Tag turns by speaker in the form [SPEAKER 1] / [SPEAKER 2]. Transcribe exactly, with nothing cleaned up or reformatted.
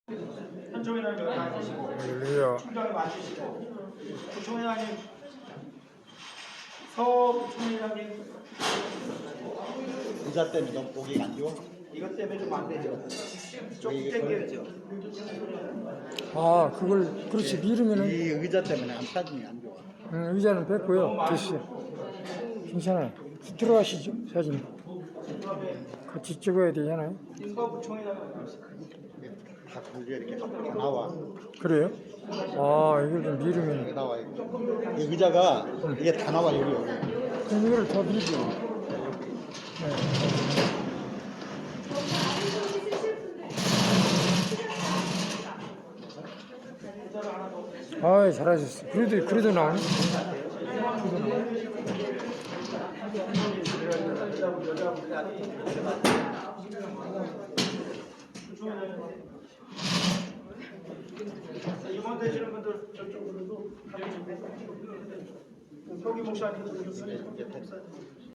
[SPEAKER 1] 현종이라는 거 맞으시고
[SPEAKER 2] 할렐루야.
[SPEAKER 1] 충정을 맞으시고 부총회장님 서부총회장님
[SPEAKER 3] 의자 때문에 너무 보기 안 좋아?
[SPEAKER 1] 이것 때문에 좀 안 되죠. 조금 당겨야죠.
[SPEAKER 2] 아, 그걸 그렇지
[SPEAKER 3] 이
[SPEAKER 2] 미루면은
[SPEAKER 3] 의자 때문에 안 사진이 안 좋아.
[SPEAKER 2] 음, 의자는 뺐고요. 됐어요. 괜찮아요. 들어가시죠 사진. 같이 찍어야 되잖아요.
[SPEAKER 1] 서부총회장
[SPEAKER 3] 다 걸려 이렇게 다 나와.
[SPEAKER 2] 그래요? 아, 이걸 좀
[SPEAKER 3] 이게
[SPEAKER 2] 미루면
[SPEAKER 3] 나와 이거. 이 의자가 이게 다 나와 여기 여기.
[SPEAKER 2] 그럼 이걸 더 밀죠. 네. 아, 잘하셨어. 그래도 그래도 나오네. 그래도 나오네.
[SPEAKER 1] 임원 되시는 분들 저쪽으로도 서기 목사님